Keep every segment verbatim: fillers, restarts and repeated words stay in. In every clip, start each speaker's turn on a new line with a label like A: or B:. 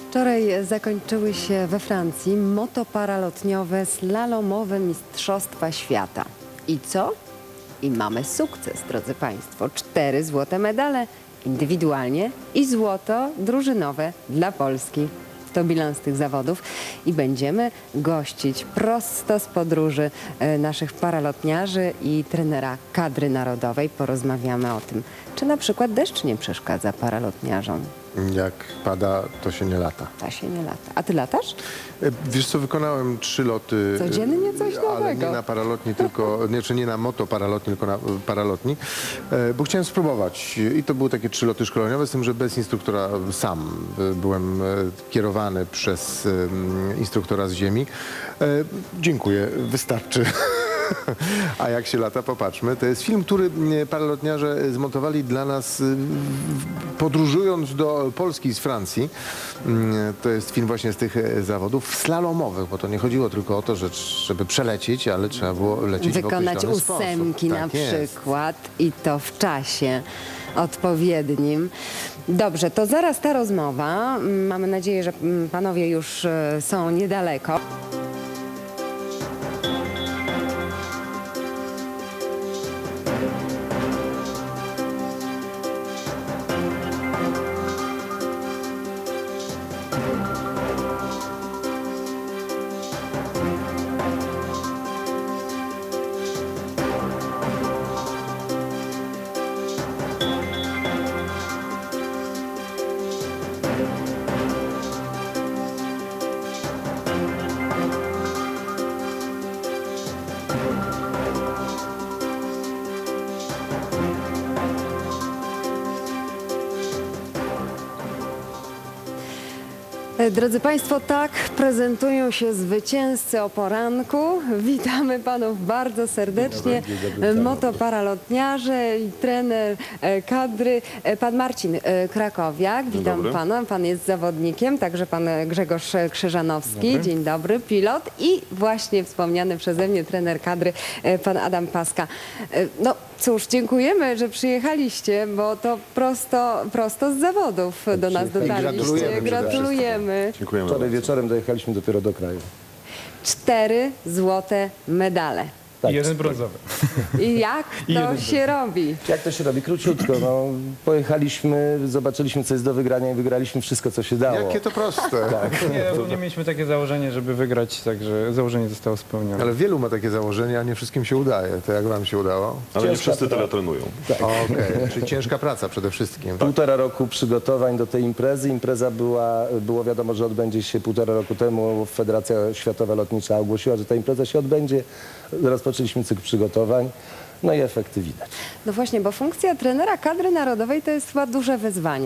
A: Wczoraj zakończyły się we Francji motoparalotniowe slalomowe Mistrzostwa Świata. I co? I mamy sukces, drodzy Państwo. Cztery złote medale indywidualnie i złoto drużynowe dla Polski. To bilans tych zawodów i będziemy gościć prosto z podróży e, naszych paralotniarzy i trenera kadry narodowej. Porozmawiamy o tym, czy na przykład deszcz nie przeszkadza paralotniarzom.
B: Jak pada, to się nie lata.
A: Ta się nie lata. A ty latasz?
B: E, Wiesz co, wykonałem trzy loty.
A: Codziennie coś
B: e, Ale
A: nowego.
B: nie na paralotni, tylko, nie, czy nie na motoparalotni, tylko na e, paralotni, e, bo chciałem spróbować. I to były takie trzy loty szkoleniowe, z tym, że bez instruktora sam e, byłem e, kierowany przez e, instruktora z ziemi. E, Dziękuję, wystarczy. A jak się lata, popatrzmy. To jest film, który e, paralotniarze zmontowali dla nas, e, podróżując do Polski z Francji. Mm, To jest film właśnie z tych e, zawodów slalomowych, bo to nie chodziło tylko o to, że żeby przelecieć, ale trzeba było lecieć
A: Wykonać
B: w określony
A: ósemki
B: sposób.
A: na
B: Tak jest.
A: przykład i to w czasie odpowiednim. Dobrze, to zaraz ta rozmowa. Mamy nadzieję, że mm, panowie już e, są niedaleko. Drodzy Państwo, tak prezentują się zwycięzcy o poranku. Witamy Panów bardzo serdecznie. Motoparalotniarze i trener e, kadry. E, Pan Marcin e, Krakowiak, witam
C: dobry.
A: Pana. Pan jest zawodnikiem, także Pan Grzegorz Krzyżanowski.
C: Dobry.
A: Dzień dobry, pilot i właśnie wspomniany przeze mnie trener kadry, e, Pan Adam Paska. E, No cóż, dziękujemy, że przyjechaliście, bo to prosto, prosto z zawodów do nas
B: Gratulujemy
A: dotarliście.
B: przede
A: Gratulujemy.
C: Dziękujemy
D: Wczoraj
C: bardzo.
D: wieczorem dojechaliśmy dopiero do kraju.
A: Cztery złote medale.
D: Tak.
E: I jeden brązowy.
A: I jak
E: I
A: to
E: jeden
A: się robi?
D: Jak to się robi? Króciutko. No, pojechaliśmy, zobaczyliśmy, co jest do wygrania i wygraliśmy wszystko, co się dało.
B: Jakie to proste.
E: Nie, ogólnie mieliśmy takie założenie, żeby wygrać, także założenie zostało spełnione.
B: Ale wielu ma takie założenia, a nie wszystkim się udaje. To jak wam się udało?
C: Ale nie
D: Ciężka
C: wszyscy
D: praca.
C: tyle trenują.
B: Okej, czyli ciężka praca przede wszystkim.
D: Półtora roku przygotowań do tej imprezy. Impreza była, było wiadomo, że odbędzie się półtora roku temu. Federacja Światowa Lotnicza ogłosiła, że ta impreza się odbędzie. Rozpoczęliśmy cykl przygotowań. No i efekty widać.
A: No właśnie, bo funkcja trenera kadry narodowej to jest chyba duże wyzwanie.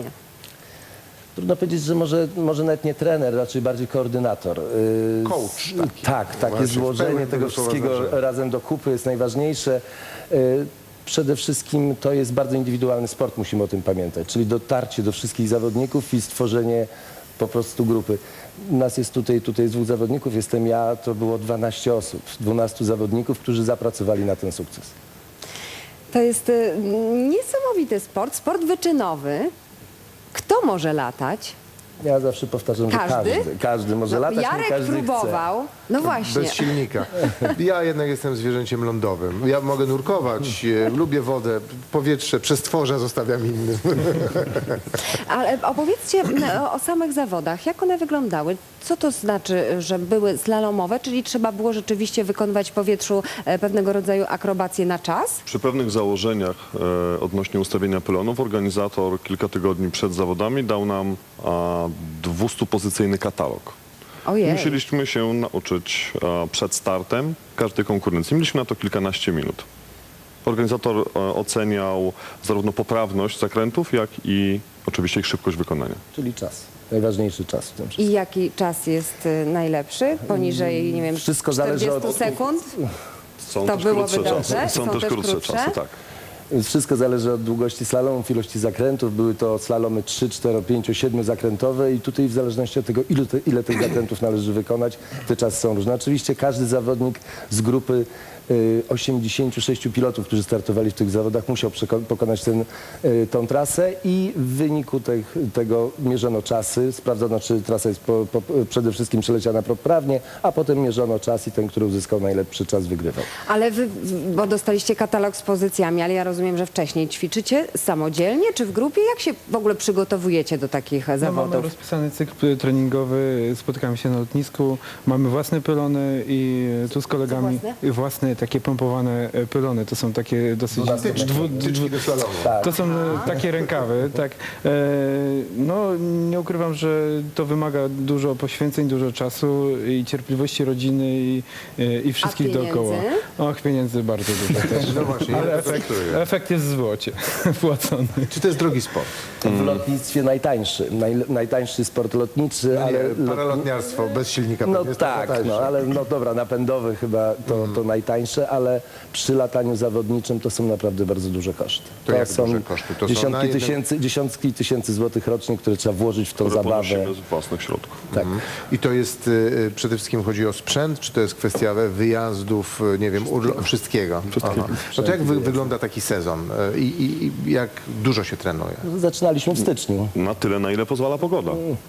D: Trudno powiedzieć, że może, może nawet nie trener, raczej bardziej koordynator. Yy,
B: Coach taki.
D: Tak, takie
B: Właśnie, w
D: złożenie
B: pełnym
D: tego
B: tego słowa
D: wszystkiego
B: znaczenia.
D: razem do kupy jest najważniejsze. Yy, Przede wszystkim to jest bardzo indywidualny sport, musimy o tym pamiętać, czyli dotarcie do wszystkich zawodników i stworzenie po prostu grupy. Nas jest tutaj, tutaj jest dwóch zawodników, jestem ja, to było dwanaście osób, dwunastu zawodników, którzy zapracowali na ten sukces.
A: To jest y, niesamowity sport, sport wyczynowy. Kto może latać?
D: Ja zawsze powtarzam,
A: Każdy?
D: że każdy, każdy może
A: No,
D: latać, nie
A: Jarek
D: każdy
A: próbował. No właśnie.
B: Bez silnika. Ja jednak jestem zwierzęciem lądowym. Ja mogę nurkować, e, lubię wodę, powietrze, przestworza zostawiam innym.
A: Ale opowiedzcie o, o samych zawodach. Jak one wyglądały? Co to znaczy, że były slalomowe? Czyli trzeba było rzeczywiście wykonywać w powietrzu e, pewnego rodzaju akrobacje na czas?
C: Przy pewnych założeniach e, odnośnie ustawienia pylonów organizator kilka tygodni przed zawodami dał nam a, dwustupozycyjny katalog.
A: Ojej.
C: Musieliśmy się nauczyć a, przed startem każdej konkurencji. Mieliśmy na to kilkanaście minut. Organizator e, oceniał zarówno poprawność zakrętów, jak i oczywiście ich szybkość wykonania.
D: Czyli czas. Najważniejszy czas w tym wszystkim.
A: I jaki czas jest y, najlepszy? Poniżej, nie wiem,
D: Wszystko zależy
A: czterdziestu
D: od-
A: sekund?
C: Są
A: To
C: też
A: byłoby
C: krótsze
A: dobrze?
C: czasy. Są,
A: Są
C: też
A: też
C: krótsze
A: krótsze?
C: czasy, tak.
D: Więc wszystko zależy od długości slalomów, ilości zakrętów. Były to slalomy trzy, cztery, pięć, siedem zakrętowe i tutaj w zależności od tego, ile, te, ile tych zakrętów należy wykonać, te czasy są różne. Oczywiście każdy zawodnik z grupy y, osiemdziesięciu sześciu pilotów, którzy startowali w tych zawodach, musiał przeko- pokonać ten, y, tą trasę i w wyniku tych, tego mierzono czasy, sprawdzono, czy trasa jest po, po, przede wszystkim przeleciana poprawnie, a potem mierzono czas i ten, który uzyskał najlepszy czas, wygrywał.
A: Ale wy, bo dostaliście katalog z pozycjami, ale ja rozumiem, że wcześniej ćwiczycie samodzielnie czy w grupie? Jak się w ogóle przygotowujecie do takich
E: No, mamy
A: zawodów?
E: rozpisany cykl treningowy, spotykamy się na lotnisku, mamy własne pylony i tu z kolegami
A: własne?
E: własne takie pompowane e, pylony. To są takie dosyć
B: Tyczki,
E: dwu,
B: tyczki
E: dwu,
B: do slalomu.
D: Tak.
E: to są e, takie rękawy, tak. E, no nie ukrywam, że to wymaga dużo poświęceń, dużo czasu i cierpliwości rodziny i, e, i wszystkich
A: pieniędzy?
E: dookoła. Och, pieniędzy bardzo dużo też.
B: No właśnie,
E: Ale
B: ja
E: efekt,
B: efekt...
E: efekt jest w złocie płacony.
B: Czy to jest drogi sport?
D: W lotnictwie najtańszy, naj, najtańszy sport lotniczy,
B: No
D: ale...
B: nie,
D: lot-
B: paralotniarstwo bez silnika
D: No
B: pewnie jest
D: tak,
B: trochę
D: no
B: tańsze.
D: ale no dobra, napędowy chyba to, to najtańsze, ale przy lataniu zawodniczym to są naprawdę bardzo duże koszty.
B: To jak
D: są
B: duże koszty? To są na
D: dziesiątki,
B: jeden-
D: tysięcy, dziesiątki tysięcy złotych rocznie, które trzeba włożyć w tą
C: które
D: zabawę.
C: ponosimy z własnych środków.
D: Tak.
B: Mhm. I to jest, y, przede wszystkim chodzi o sprzęt, czy to jest kwestia wyjazdów, y, nie wiem, urlo- wszystkiego? Aha. No to jak wy, wygląda taki sezon y, i, i, i jak dużo się trenuje?
D: Zaczynaliśmy w styczniu.
C: Na tyle, na ile pozwala pogoda.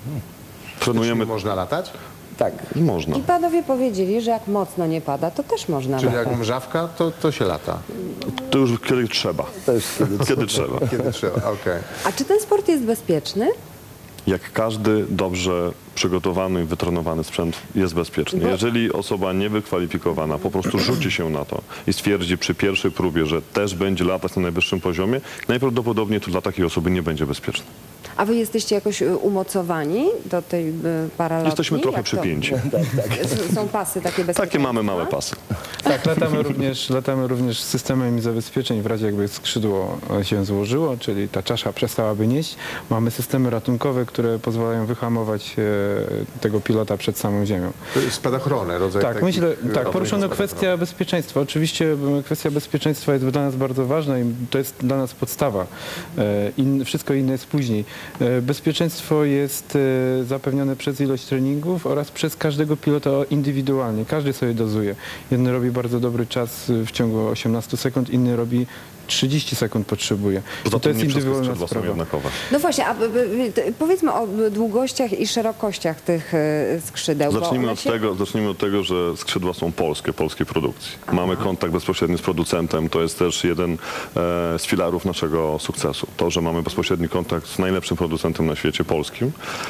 B: Czy
C: Trenujemy,
B: można latać?
D: Tak.
C: można.
A: I panowie powiedzieli, że jak mocno nie pada, to też można
B: Czyli
A: latać.
B: jak mrzawka, to, to się lata.
C: To już kiedy trzeba.
D: Też kiedy
C: Kiedy trzeba.
B: Kiedy trzeba, okej.
A: A czy ten sport jest bezpieczny?
C: Jak każdy dobrze przygotowany i wytrenowany sprzęt jest bezpieczny.
A: Bo-
C: Jeżeli osoba niewykwalifikowana po prostu rzuci się na to i stwierdzi przy pierwszej próbie, że też będzie latać na najwyższym poziomie, najprawdopodobniej to dla takiej osoby nie będzie bezpieczne.
A: A wy jesteście jakoś y, umocowani do tej y, paralotni?
C: Jesteśmy trochę
A: Jak to?
C: przypięci.
A: S- Są pasy takie bezpieczne?
C: Takie mamy małe pasy.
E: Tak, latamy również, latamy również z systemem zabezpieczeń w razie jakby skrzydło się złożyło, czyli ta czasza przestałaby nieść. Mamy systemy ratunkowe, które pozwalają wyhamować e, tego pilota przed samą ziemią.
B: To jest spadochrony, rodzaj
E: Tak,
B: takich,
E: myślę,
B: y,
E: tak, poruszono
B: rodzajów
E: kwestia bezpieczeństwa. Oczywiście m, kwestia bezpieczeństwa jest dla nas bardzo ważna i to jest dla nas podstawa. E, In, wszystko inne jest później. E, Bezpieczeństwo jest e, zapewnione przez ilość treningów oraz przez każdego pilota indywidualnie. Każdy sobie dozuje. Jeden robi bardzo dobry czas w ciągu osiemnastu sekund, inny robi trzydzieści sekund potrzebuje.
C: Poza
E: I to
C: tym
E: jest
C: nie wszystkie
E: indywidualna
C: skrzydła są
E: sprawa.
C: jednakowe.
A: No właśnie, a b- b- t- powiedzmy o b- długościach i szerokościach tych y, skrzydeł. bo
C: Zacznijmy
A: one
C: od,
A: się...
C: tego, zacznijmy od tego, że skrzydła są polskie, polskiej produkcji. Mamy kontakt bezpośredni z producentem, to jest też jeden e, z filarów naszego sukcesu. To, że mamy bezpośredni kontakt z najlepszym producentem na świecie, polskim.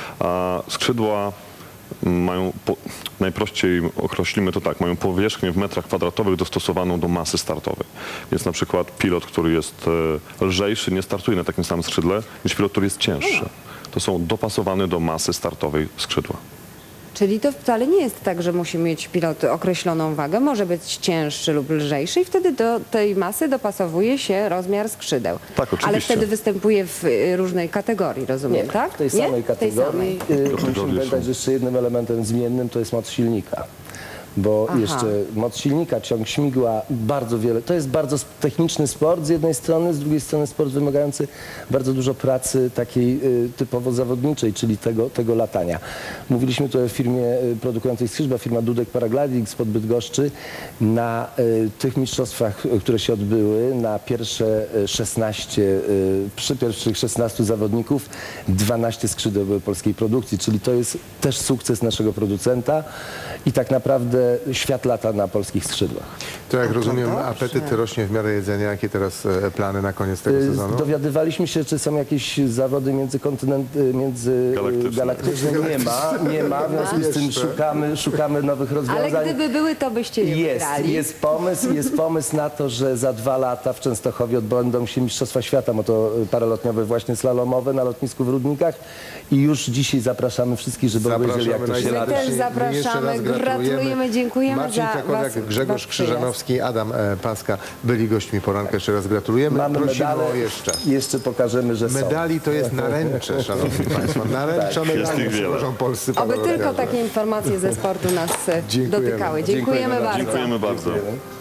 C: A skrzydła mają, po, najprościej określimy to tak, mają powierzchnię w metrach kwadratowych dostosowaną do masy startowej. Więc na przykład pilot, który jest e, lżejszy, nie startuje na takim samym skrzydle niż pilot, który jest cięższy. To są dopasowane do masy startowej skrzydła.
A: Czyli to wcale nie jest tak, że musi mieć pilot określoną wagę. Może być cięższy lub lżejszy i wtedy do tej masy dopasowuje się rozmiar skrzydeł.
C: Tak, oczywiście.
A: Ale wtedy występuje w y, różnej kategorii, rozumiem, tak?
D: W tej
A: Nie?
D: samej
A: W tej
D: kategorii.
A: samej.
D: Y, Musimy
C: są.
D: pamiętać, że jeszcze jednym elementem zmiennym to jest moc silnika. Bo
A: Aha.
D: jeszcze moc silnika, ciąg śmigła, bardzo wiele. To jest bardzo sp- techniczny sport z jednej strony, z drugiej strony sport wymagający bardzo dużo pracy takiej y, typowo zawodniczej, czyli tego, tego latania. Mówiliśmy tu o firmie y, produkującej skrzydła, firma Dudek Paragliding spod Bydgoszczy. Na y, tych mistrzostwach, y, które się odbyły, na pierwsze y, szesnaście, y, przy pierwszych szesnastu zawodników dwanaście skrzydeł były polskiej produkcji, czyli to jest też sukces naszego producenta i tak naprawdę świat lata na polskich skrzydłach.
B: To jak
A: A to
B: rozumiem,
A: dobrze.
B: apetyt rośnie w miarę jedzenia. Jakie teraz e, plany na koniec tego
D: Y,
B: sezonu?
D: Dowiadywaliśmy się, czy są jakieś zawody międzykontynent, y,
C: Galaktyczne.
D: międzygalaktyczne. Nie ma, nie ma. W związku z tym
B: Jeszcze.
D: szukamy, szukamy nowych
A: Ale
D: rozwiązań.
A: gdyby były, to byście je
D: Jest,
A: wygrali.
D: jest pomysł, jest pomysł na to, że za dwa lata w Częstochowie odbędą się Mistrzostwa Świata motoparalotniowe, właśnie slalomowe na lotnisku w Rudnikach i już dzisiaj zapraszamy wszystkich, żeby obejrzeli, jak to się
B: najserdeczniej.
D: lata.
A: My też
B: My
A: zapraszamy,
B: jeszcze raz
A: gratulujemy, dziękujemy
B: Marcin
A: za
B: Krakowiak,
A: was-
B: Grzegorz
A: wasz
B: Krzyżanowski, Adam e, Paska byli gośćmi poranka. Jeszcze raz gratulujemy.
D: Mamy
B: Prosimy
D: medale,
B: o jeszcze.
D: jeszcze pokażemy, że są.
B: Medali to jest naręcze, szanowni państwo. Naręcza
C: Jest
B: medali
C: ich wiele.
B: tworzą polscy
A: Oby tylko
B: paralotniarze.
A: takie informacje ze sportu nas e,
B: Dziękujemy.
A: dotykały. Dziękujemy,
D: Dziękujemy
A: bardzo.
C: Dziękujemy bardzo.
D: Dziękujemy.